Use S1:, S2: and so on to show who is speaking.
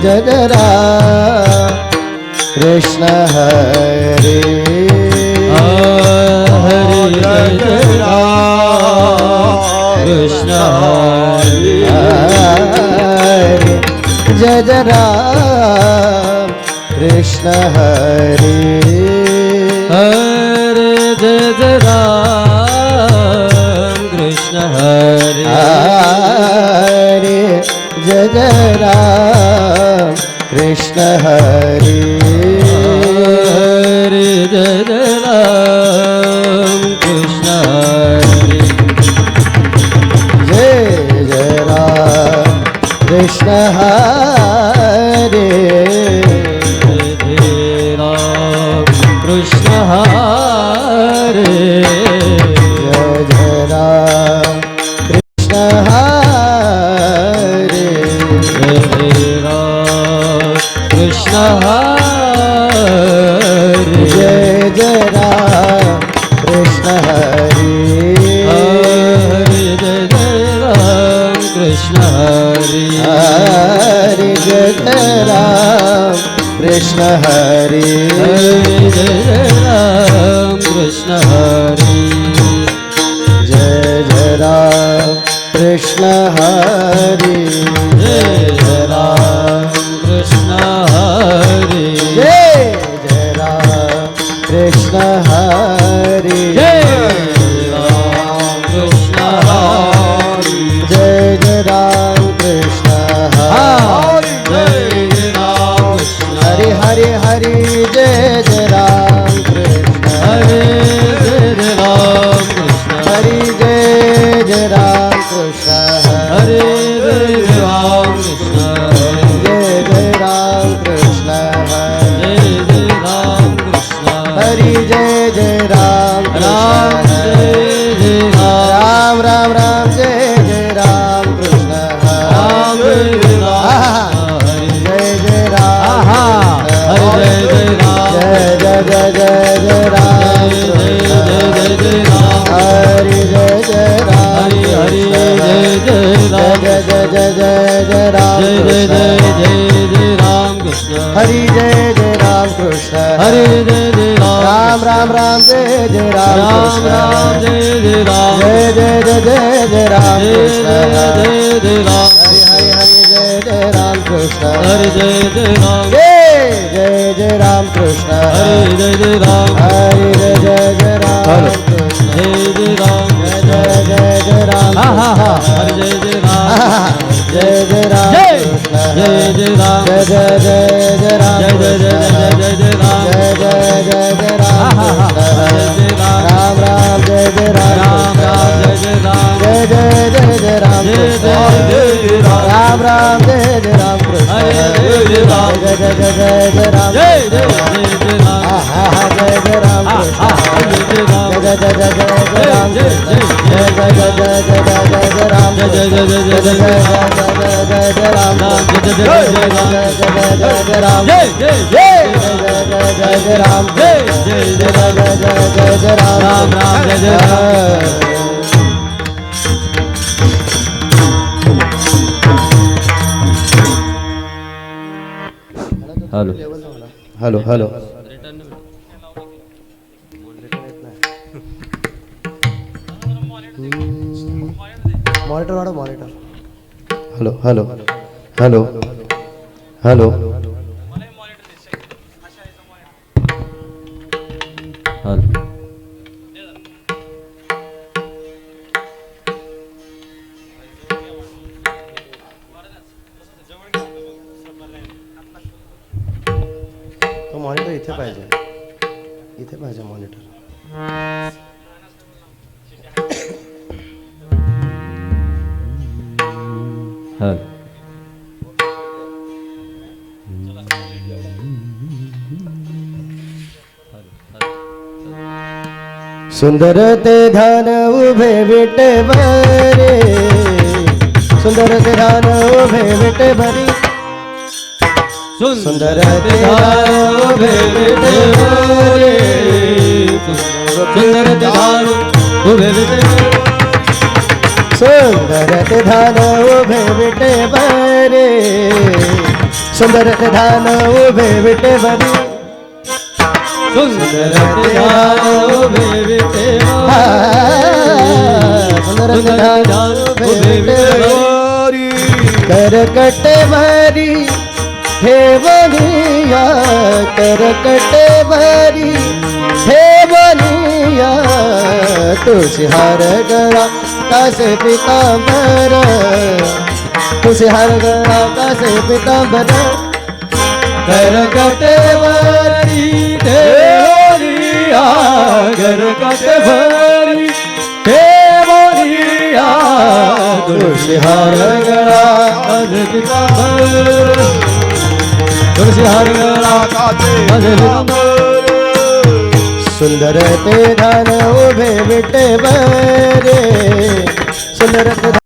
S1: जय राम कृष्ण हरे
S2: हरे जय राम कृष्ण हरे
S1: जय राम कृष्ण हरे
S2: हरे जय राम कृष्ण हरे
S1: जय राम कृष्ण हरे
S2: जय राम कृष्ण हरे
S1: जय राम कृष्ण हरे
S2: जय राम कृष्ण हरे
S1: जय राम कृष्ण हरे
S2: जय राम कृष्ण हरे
S1: जय राम कृष्ण हरे
S2: जय राम कृष्ण हरे
S1: जय राम कृष्ण हरे
S2: जय राम कृष्ण हरे
S1: जय राम कृष्ण हरे
S2: जय राम कृष्ण हरे
S1: जय राम कृष्ण हरे
S2: जय राम कृष्ण हरे
S1: जय राम कृष्ण हरे
S2: जय राम कृष्ण
S1: हरे हरे हरे जय राम कृष्ण
S2: हरे जय राम कृष्ण
S1: हरि जय राम कृष्ण
S2: हरे जय राम कृष्ण
S1: जय राम कृष्ण
S2: जय राम कृष्ण
S1: हरि जय राम
S2: राम जय
S1: राम राम राम जय राम कृष्ण
S2: राम जय राम
S1: जय राम
S2: हरे जय राम
S1: जय राम
S2: जय राम
S1: हरि जय राम
S2: हरि हरि जय राम
S1: जय राम
S2: जय राम कृष्ण
S1: हरि जय राम कृष्ण
S2: हरे जय
S1: राम राम राम जय राम
S2: राम राम जय राम
S1: जय राम कृष्ण
S2: जय राम
S1: हरि हरि हरि जय राम कृष्ण
S2: हरे जय राम
S1: जय राम कृष्ण
S2: हरे जय राम
S1: हरि जय राम कृष्ण
S2: जय राम
S1: जय राम
S2: हरे जय राम
S1: जय राम कृष्ण
S2: जय राम
S1: जय राम
S2: जय राम
S1: जय राम कृष्ण राम राम जय राम
S2: राम राम जय राम
S1: जय राम कृष्ण राम राम जय राम कृष्ण
S2: हरे जय राम
S1: जय राम
S2: जय राम
S1: जय राम कृष्ण जय राम जय राम
S2: जय
S1: राम
S2: राम राम जय
S1: हेलो हेलो मॉनिटर वाला monitor hello hello hello hello तो मॉनिटर इथे पाहिजे मॉनिटर सुंदर ते धान उभे विटे भरे सुंदर ते धान उभे विटे भरी सुंदर ते धान उभे विटे भरे
S2: सुंदर ते धान उभे विटे
S1: सुंदर ते धान उभे विटे भरे सुंदर ते धान उभे विटेवरी
S2: सुंदर ते धान उभे विटेवरी
S1: सुंदर ते धान उभे विटेवरी करकटे भरी ठेवनिया करकटे भरी ठेवनिया तुळशी हार गळा कासे पितांबर तुळशी हार गळा कासे पितांबर
S2: करकटवरी देवरिया करकटवरी देवरिया
S1: तुळशी हार गळा
S2: कासे पितांबर तुळशी हार गळा कासे पितांबर
S1: सुंदर ते धान उभे विटेवरे सुंदर ते